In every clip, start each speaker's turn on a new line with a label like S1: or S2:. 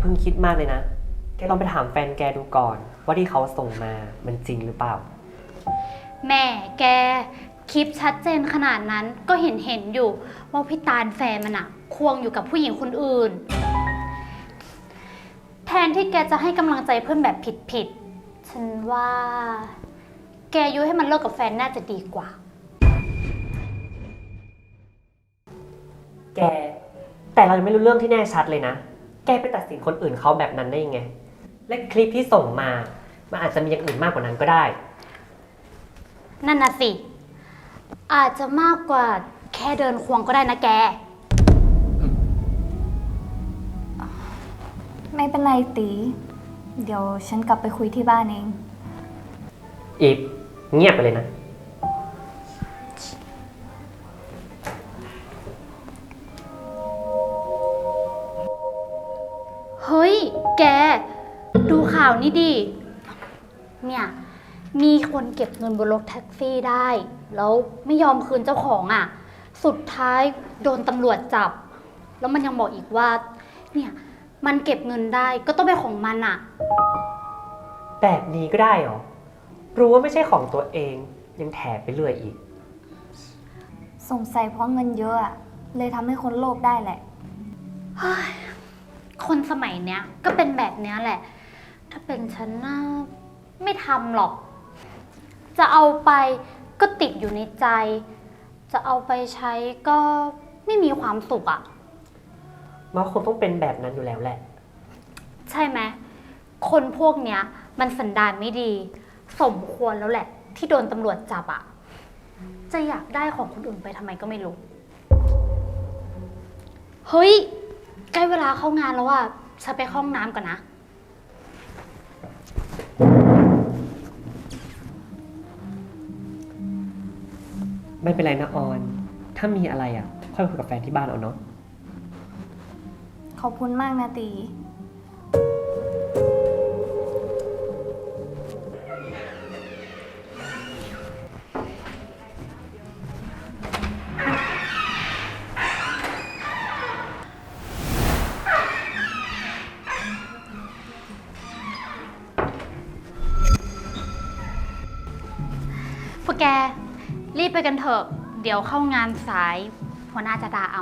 S1: พิ่งคิดมากเลยนะแกลองไปถามแฟนแกดูก่อนว่าที่เขาส่งมามันจริงหรือเปล่า
S2: แม่แกคลิปชัดเจนขนาดนั้นก็เห็นอยู่ว่าพี่ตาลแฟนมันอะควงอยู่กับผู้หญิงคนอื่นแทนที่แกจะให้กำลังใจเพื่อนแบบผิดฉันว่าแกยุให้มันเลิกกับแฟนน่าจะดีกว่า
S1: แกแต่เรายังไม่รู้เรื่องที่แน่ชัดเลยนะแกไปตัดสินคนอื่นเขาแบบนั้นได้ยังไงและคลิปที่ส่งมามันอาจจะมีอย่างอื่นมากกว่านั้นก็ได้
S2: นั่นน่ะสิอาจจะมากกว่าแค่เดินควงก็ได้นะแก
S3: ไม่เป็นไรตีเดี๋ยวฉันกลับไปคุยที่บ้านเอง
S1: อีฟเงียบไปเลยนะ
S2: เฮ้ยแกดูข่าวนี้ดิเนี่ยมีคนเก็บเงินบนรถแท็กซี่ได้แล้วไม่ยอมคืนเจ้าของอ่ะสุดท้ายโดนตำรวจจับแล้วมันยังบอกอีกว่าเนี่ยมันเก็บเงินได้ก็ต้องเป็นของมันอ่ะ
S1: แบบนี้ก็ได้เหรอรู้ว่าไม่ใช่ของตัวเองยังแถไปเรื่อยอีก
S3: สงสัยเพราะเงินเยอะอะเลยทำให้คนโลภได้แหละ
S2: คนสมัยเนี้ยก็เป็นแบบเนี้ยแหละถ้าเป็นฉันน่าไม่ทำหรอกจะเอาไปก็ติดอยู่ในใจจะเอาไปใช้ก็ไม่มีความสุขอ่ะ
S1: มันคงต้องเป็นแบบนั้นอยู่แล้วแหละ
S2: ใช่ไหมคนพวกเนี้ยมันสันดานไม่ดีสมควรแล้วแหละที่โดนตำรวจจับอ่ะจะอยากได้ของคนอื่นไปทำไมก็ไม่รู้เฮ้ยใกล้เวลาเข้างานแล้วอ่ะฉันไปเข้าห้องน้ำก่อนนะ
S1: ไม่เป็นไรนะออนถ้ามีอะไรอ่ะค่อยคุยกับแฟนที่บ้านเอาเนาะ
S3: ขอบคุณมากนะตี
S2: พวกแกรีบไปกันเถอะเดี๋ยวเข้างานสายหัวหน้าจะด่าเอา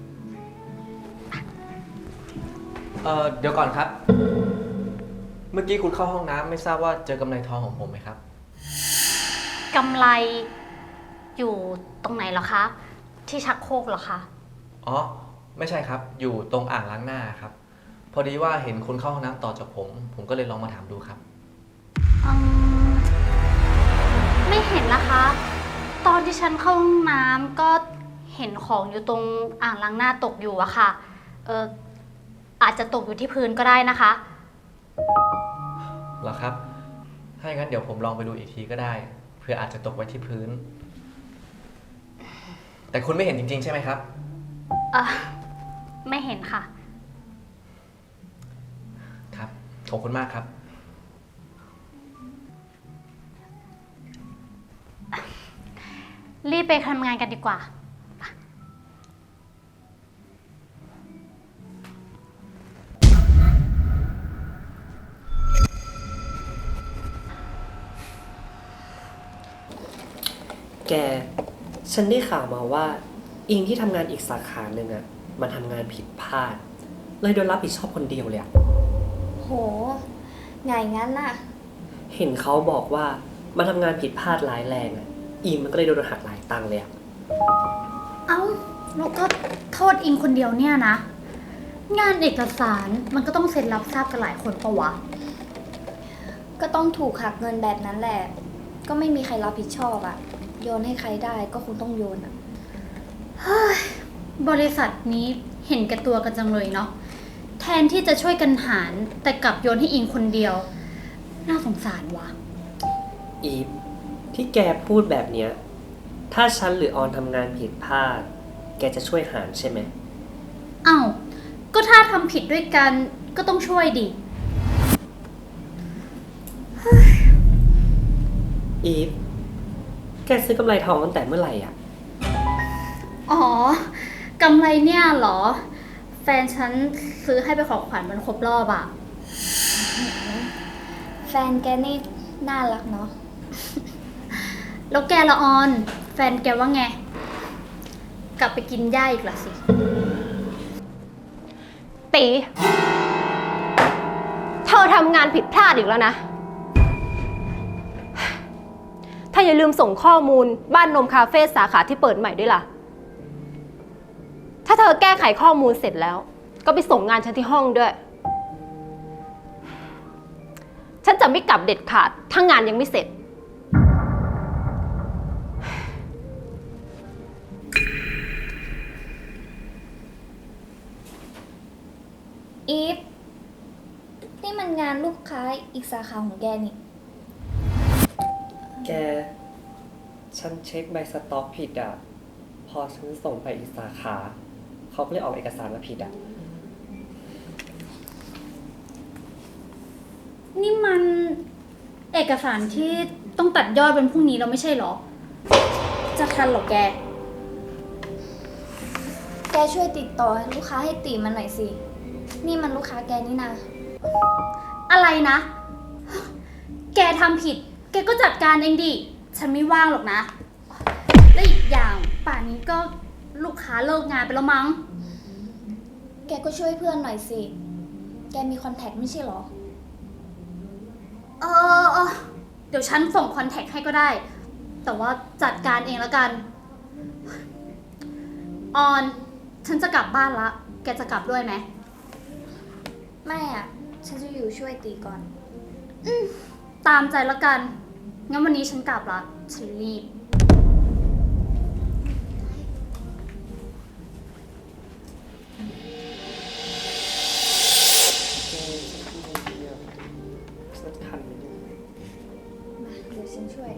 S4: เดี๋ยวก่อนครับ เมื่อกี้คุณเข้าห้องน้ำไม่ทราบว่าเจอกำไรทองของผมไหมครับ
S2: กำไรอยู่ตรงไหนเหรอคะที่ชักโครกเหรอคะ
S4: อ๋อไม่ใช่ครับอยู่ตรงอ่างล้างหน้าครับพอดีว่าเห็นคุณเข้าห้องน้ำต่อจากผมก็เลยลองมาถามดูครับ
S2: ไม่เห็นนะคะ ตอนที่ฉันเข้าห้องน้ำก็เห็นของอยู่ตรงอ่างล้างหน้าตกอยู่อะค่ะอาจจะตกอยู่ที่พื้นก็ได้นะคะ
S4: เหรอครับถ้าอย่างนั้นเดี๋ยวผมลองไปดูอีกทีก็ได้เพื่ออาจจะตกไว้ที่พื้นแต่คุณไม่เห็นจริงๆใช่ไหมครับ
S2: ไม่เห็นค่ะ
S4: ครับขอบคุณมากครับ
S2: รีบไปทำงานกันดีกว่า
S1: แกฉันได้ข่าวมาว่าอิงที่ทำงานอีกสาขาหนึ่งอ่ะมันทำงานผิดพลาดเลยโดนรับผิดชอบคนเดียวเลยอ่ะ
S3: โหไงงั้นน่ะ
S1: เห็นเขาบอกว่ามันทำงานผิดพลาดร้ายแรงอ่ะอิงมันก็เลยโดนหักหลายตังค์เลยอ่ะ
S2: เอ้าแล้วก็โทษอิงคนเดียวเนี่ยนะงานเอกสารมันก็ต้องเซ็นรับทราบกันหลายคนปะวะ
S3: ก็ต้องถูกหักเงินแบบนั้นแหละก็ไม่มีใครรับผิดชอบอะโยนให้ใครได้ก็คงต้องโยนอะ
S2: บริษัทนี้เห็นแก่ตัวกันจังเลยเนาะแทนที่จะช่วยกันหารแต่กลับโยนให้อิงคนเดียวน่าสงสารว่ะ
S1: อีฟที่แกพูดแบบเนี้ยถ้าฉันหรือออนทำงานผิดพลาดแกจะช่วยหารใช่ไหม
S2: อ้าวก็ถ้าทำผิดด้วยกันก็ต้องช่วยดิ
S1: อีฟแกซื้อกำไรทองตั้งแต่เมื่อไหร่อ่ะ
S2: อ๋อกำไรเนี่ยเหรอ แฟแฟนฉันซื้อให้ไปนของขวัญวันครบรอบอะ
S3: แฟนแกนี่น่ารักเนาะ
S2: แล้วแกละออน แฟนแกว่าไง กลับไปกินหญ้าอีกละสิ
S5: ตี เธอทำงานผิดพลาดอีกแล้วนะ ถ้าอย่าลืมส่งข้อมูลบ้านนมคาเฟ่สาขาที่เปิดใหม่ด้วยล่ะ ถ้าเธอแก้ไขข้อมูลเสร็จแล้ว ก็ไปส่งงานฉันที่ห้องด้วย ฉันจะไม่กลับเด็ดขาดถ้างานยังไม่เสร็จ
S3: อีฟ นี่มันงานลูกค้าอีกสาขาของแกนี่
S1: แก ฉันเช็คใบสต็อกผิดอ่ะ พอฉันส่งไปอีกสาขา เขาก็เลยออกเอกสารมาผิดอ่ะ
S2: นี่มันเอกสารที่ต้องตัดยอดวันพรุ่งนี้เราไม่ใช่เหรอ จะทันเหรอแก
S3: แกช่วยติดต่อลูกค้าให้ตีมันหน่อยสิ นี่มันลูกค้าแกนี่นะ
S2: อะไรนะ แกทำผิด แกก็จัดการเองดิ ฉันไม่ว่างหรอกนะ และอีกอย่างป่านนี้ก็ลูกค้าเลิกงานไปแล้วมั้ง
S3: แกก็ช่วยเพื่อนหน่อยสิ แกมีคอนแทคไม่ใช่เหรอ
S2: เออ เดี๋ยวฉันส่งคอนแทคให้ก็ได้ แต่ว่าจัดการเองแล้วกัน ออน ฉันจะกลับบ้านละ แกจะกลับด้วยไหม
S3: ไม่อ่ะ ฉันจะอยู่ช่วยตีก่อน
S2: ตามใจแล้วกัน งั้นวันนี้ฉันกลับละ ฉันรีบ
S1: ฉันทันไหมเนี่ย
S3: มาเดี๋ยวฉันช่วย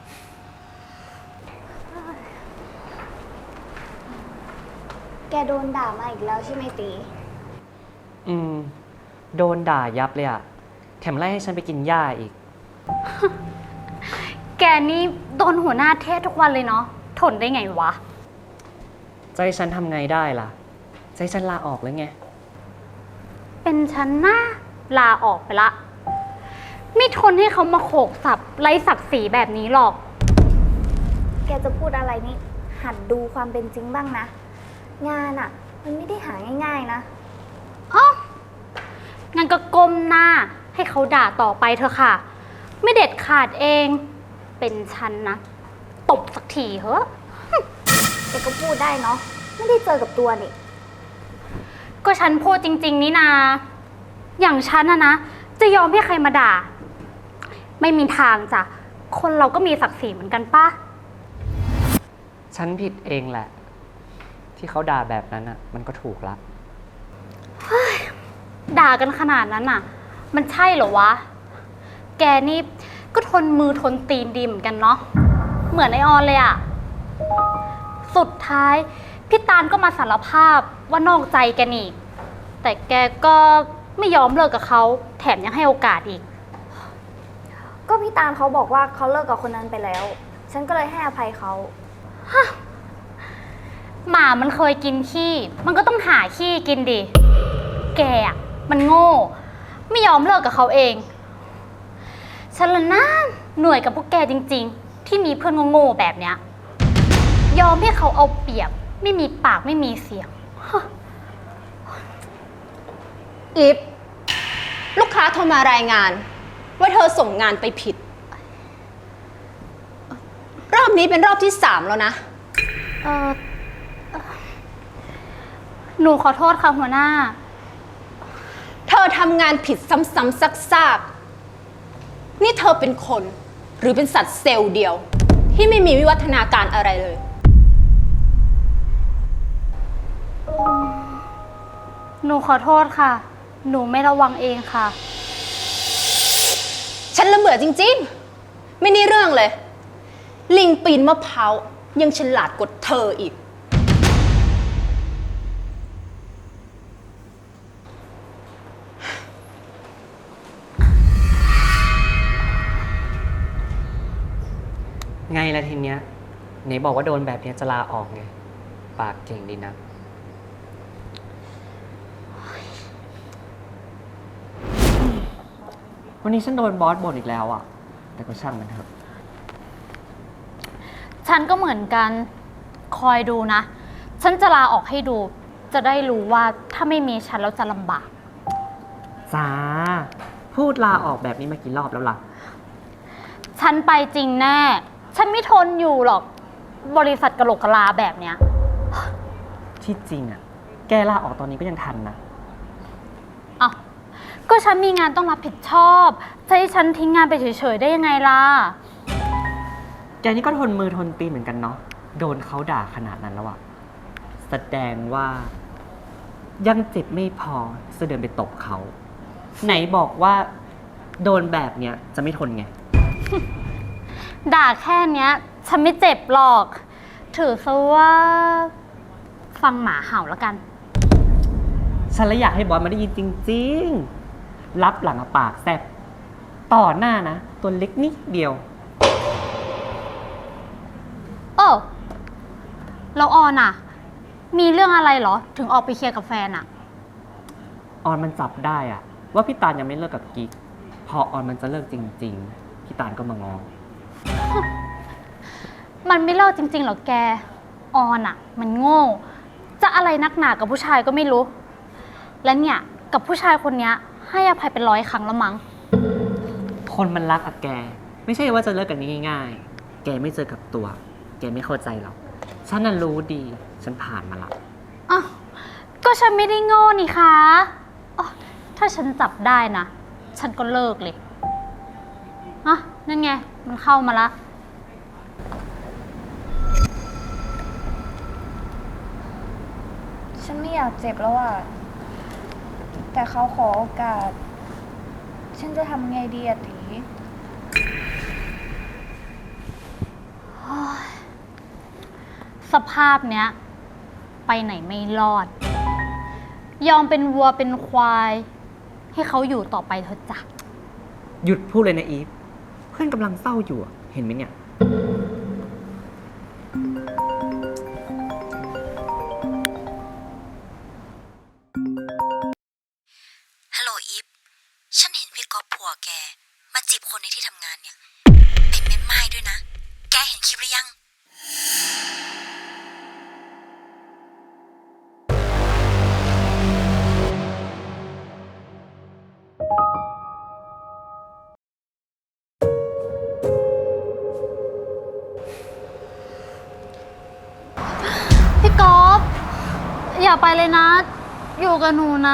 S3: แกโดนด่ามาอีกแล้วใช่ไหมตี
S1: โดนด่ายับเลยอ่ะ แถมไล่ให้ฉันไปกินหญ้าอีก
S2: แกนี่โดนหัวหน้าเทศทุกวันเลยเนาะ ทนได้ไงวะ
S1: จะให้ฉันทำไงได้ล่ะ จะให้ฉันลาออกเลยไง
S2: เป็นฉันนะลาออกไปละ ไม่ทนให้เขามาโขกสับไร้ศักดิ์ศรีแบบนี้หรอก
S3: แกจะพูดอะไรนี่ หัดดูความเป็นจริงบ้างนะ งานอ่ะ มันไม่ได้หาง่ายๆนะ
S2: อ๋องั้นก็ก้มหน้าให้เขาด่าต่อไปเถอะค่ะ ไม่เด็ดขาดเอง เป็นฉันนะ ตบสักทีเหอะ
S3: แกก็พูดได้เนาะ ไม่ได้เจอกับตัวนี่
S2: ก็ฉันพูดจริง ๆ นี่นา อย่างฉันนะจะยอมให้ใครมาด่า ไม่มีทางจ้ะ คนเราก็มีศักดิ์ศรีเหมือนกันป่ะ
S1: ฉันผิดเองแหละ ที่เขาด่าแบบนั้นอ่ะ มันก็ถูกละ
S2: ด่ากันขนาดนั้นน่ะ มันใช่เหรอวะ แกนี่ก็ทนมือทนตีนดีเหมือนกันเนาะ เหมือนไอออนเลยอะ สุดท้ายพี่ตาลก็มาสารภาพว่านอกใจแกนี่ แต่แกก็ไม่ยอมเลิกกับเขา แถมยังให้โอกาสอีก
S3: ก็พี่ตาลเขาบอกว่าเขาเลิกกับคนนั้นไปแล้ว ฉันก็เลยให้อภัยเขา
S2: หมามันเคยกินขี้ มันก็ต้องหาขี้กินดิ แกอะมันโง่ ไม่ยอมเลิกกับเขาเอง ฉันละนะหน่วยกับพวกแกจริงๆ ที่มีเพื่อนโง่ๆแบบเนี้ย ยอมให้เขาเอาเปรียบ ไม่มีปากไม่มีเสียง
S5: อีฟ ลูกค้าโทรมารายงาน ว่าเธอส่งงานไปผิด รอบนี้เป็นรอบที่ 3 แล้วนะ
S2: เออหนูขอโทษค่ะหัวหน้า
S5: เธอทำงานผิดซ้ำๆซากๆนี่เธอเป็นคน หรือเป็นสัตว์เซลล์เดียว ที่ไม่มีวิวัฒนาการอะไรเลย
S2: หนูขอโทษค่ะ หนูไม่ระวังเองค่ะ
S5: ฉันละเบื่อจริงๆ ไม่นี่เรื่องเลย ลิงปีนมะพร้าวยังฉลาดกว่าเธออีก
S1: ไงล่ะทีเนี้ยไหนบอกว่าโดนแบบเนี้ยจะลาออกไง ปากเก่งดีนะวันนี้ฉันโดนบอสบ่นอีกแล้วอะแต่ก็ช่างมันเถอะ
S2: ฉันก็เหมือนกัน คอยดูนะ ฉันจะลาออกให้ดู จะได้รู้ว่าถ้าไม่มีฉันแล้วจะลำบาก
S1: จ้า พูดลาออกแบบนี้มากี่รอบแล้วล่ะ
S2: ฉันไปจริงแน่ ฉันไม่ทนอยู่หรอก บริษัทกะโหลกกะลาแบบเนี้ย
S1: ที่จริงอะแกลาออกตอนนี้ก็ยังทันนะ
S2: อ้าวก็ฉันมีงานต้องรับผิดชอบ จะให้ฉันทิ้งงานไปเฉยๆได้ยังไงล่ะ
S1: แกนี่ก็ทนมือทนตีนเหมือนกันเนาะ โดนเขาด่าขนาดนั้นแล้วอะแสดงว่า ยังเจ็บไม่พอจะเดินไปตบเขา ไหนบอกว่า โดนแบบเนี้ยจะไม่ทนไง
S2: ด่าแค่เนี้ย ฉันไม่เจ็บหรอก ถือซะว่า ฟังหมาเห่าแล้วกัน
S1: ฉันเลยอยากให้บอสมาได้ยินจริงๆ รับหลังปากแซบต่อหน้านะ ตัวเล็กนิดเดียว
S2: เออแล้วออนอะมีเรื่องอะไรเหรอ ถึงออกไปเคลียร์กับแฟนอะ
S1: ออนมันจับได้อะว่าพี่ตาลยังไม่เลิกกับกิ๊ก พอออนมันจะเลิกจริงๆ พี่ตาลก็มางอ
S2: มันไม่เลิกจริงๆหรอกแก ออนอะมันโง่ จะอะไรนักหนากับผู้ชายก็ไม่รู้ และเนี่ยกับผู้ชายคนเนี้ยให้อภัยเป็น100 ครั้งแล้วมั้ง
S1: คนมันรักอะแก ไม่ใช่ว่าจะเลิกกันง่ายๆ แกไม่เจอกับตัว แกไม่เข้าใจหรอก ฉันน่ะรู้ดี ฉันผ่านมาละ
S2: อ้าวก็ฉันไม่ได้โง่นี่คะอ๋อถ้าฉันจับได้นะ ฉันก็เลิกเลยอ่ะนั่นไง มันเข้ามาละ
S3: ฉันไม่อยากเจ็บแล้วอะแต่เขาขอโอกาส ฉันจะทำไงดีอะตี
S2: สภาพเนี้ย ไปไหนไม่รอด ยอมเป็นวัวเป็นควาย ให้เขาอยู่ต่อไปเถอะจ้ะ
S1: หยุดพูดเลยนะอีฟ เพื่อนกำลังเศร้าอยู่อะเห็นไหมเนี่ย
S6: ฮัลโหลอีฟ ฉันเห็นพี่ก๊อฟผัวแก มาจีบคนในที่ทำงานเนี่ย เป็นแม่ไม้ด้วยนะ แกเห็นคลิปหรือยัง
S2: พี่ก๊อฟอย่าไปเลยนะ อยู่กับหนูนะ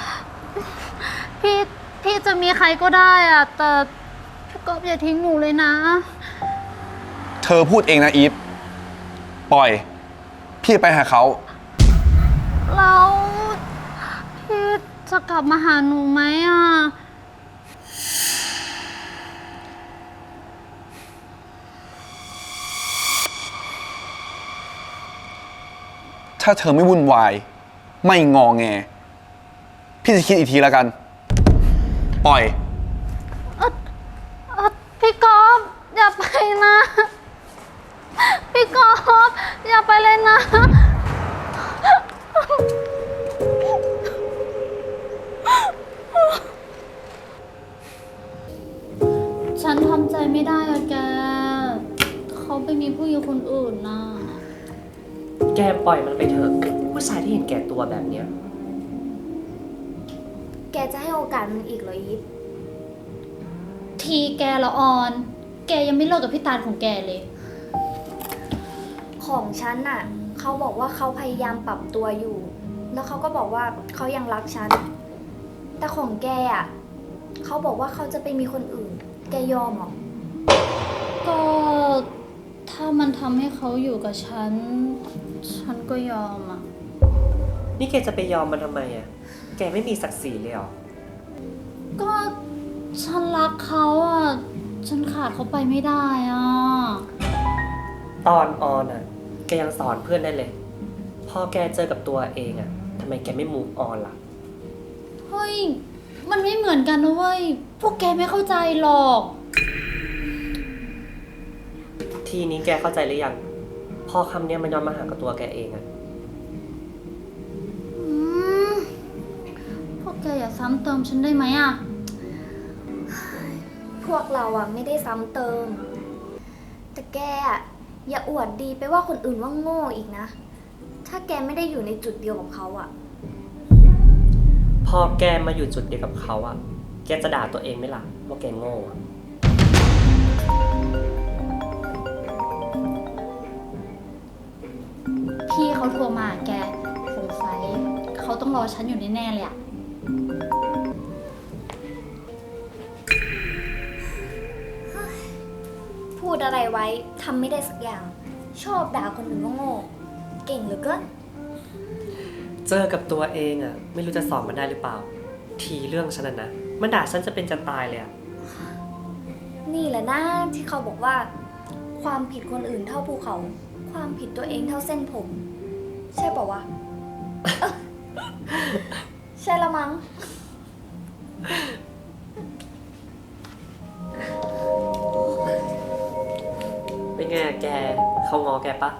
S2: พี่จะมีใครก็ได้อะแต่พี่ก๊อฟอย่าทิ้งหนูเลยนะ
S7: เธอพูดเองนะอีฟ ปล่อย พี่ไปหาเขา
S2: แล้วพี่จะกลับมาหาหนูไหมอ่ะ
S7: ถ้าเธอไม่วุ่นวาย ไม่งอแง พี่จะคิดอีกทีแล้วกัน ปล่อย
S2: พี่ก๊อฟอย่าไปนะ พี่ก๊อฟอย่าไปเลยนะ ฉันทำใจไม่ได้อะแก เขาไปมีผู้หญิงคนอื่นนะ
S1: แกปล่อยมันไปเถอะ ผู้ชายที่เห็นแก่ตัวแบบเนี้ย
S3: แกจะให้โอกาสมันอีกเหรออีฟ
S2: ทีแกละออน แกยังไม่เลิกกับพี่ตาลของแกเลย
S3: ของฉันน่ะ เขาบอกว่าเขาพยายามปรับตัวอยู่ แล้วเขาก็บอกว่าเขายังรักฉัน แต่ของแกอ่ะ เขาบอกว่าเขาจะไปมีคนอื่น แกยอมเหรอ
S2: ก็ถ้ามันทำให้เขาอยู่กับฉัน ฉันก็ยอมอ่ะ
S1: นี่แกจะไปยอมมันทำไมอะแกไม่มีศักดิ์ศรีเลยเหรอ
S2: ก็ฉันรักเขาอ่ะ ฉันขาดเขาไปไม่ได้อ่ะ
S1: ตอนออนอะแกยังสอนเพื่อนได้เลย พอแกเจอกับตัวเองอะทำไมแกไม่มูฟออนล่ะ
S2: เฮ้ย มันไม่เหมือนกันนะเว้ย พวกแกไม่เข้าใจหรอก
S1: ทีนี้แกเข้าใจหรือยัง พอคำเนี้ยมันย้อนมาหากับตัวแกเองอะ
S2: อืมพวกแกอย่าซ้ำเติมฉันได้ไหมอ่ะ
S3: พวกเราอะไม่ได้ซ้ำเติม แต่แกอะอย่าอวดดีไปว่าคนอื่นว่าโง่อีกนะ ถ้าแกไม่ได้อยู่ในจุดเดียวกับเขาอะ
S8: พอแกมาอยู่จุดเดียวกับเขาอะแกจะด่าตัวเองไหมล่ะว่าแกโง่อะ
S2: พี่เขาโทรมาแกสงสัยเขาต้องรอฉันอยู่แน่ๆเลยอะ
S3: พูดอะไรไว้ทำไม่ได้สักอย่าง ชอบด่าคนอื่นว่าโง่ เก่งเหลือเกิน
S8: เจอกับตัวเองอะไม่รู้จะสอนมันได้หรือเปล่า ทีเรื่องฉันนะมันด่าฉันจะเป็นจะตายเลยอะ
S3: นี่แหละนะที่เขาบอกว่า ความผิดคนอื่นเท่าภูเขา ความผิดตัวเองเท่าเส้นผม ใช่ป่าวะ ใช่ละมั้ง
S8: เป็นไงอะแกเขางอแกปะ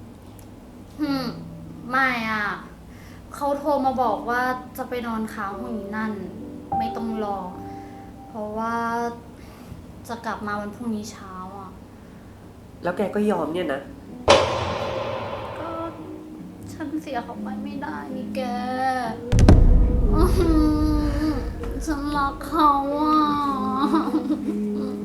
S2: ไม่อ่ะ เขาโทรมาบอกว่าจะไปนอนค้างห้องนี้นั่น ไม่ต้องรอ เพราะว่าจะกลับมาวันพรุ่งนี้เช้าอ่ะ
S8: แล้วแกก็ยอมเนี่ยนะ
S2: ก็ฉันเสียเขาไปไม่ได้นี่แก ฉันรักเขาอ่ะ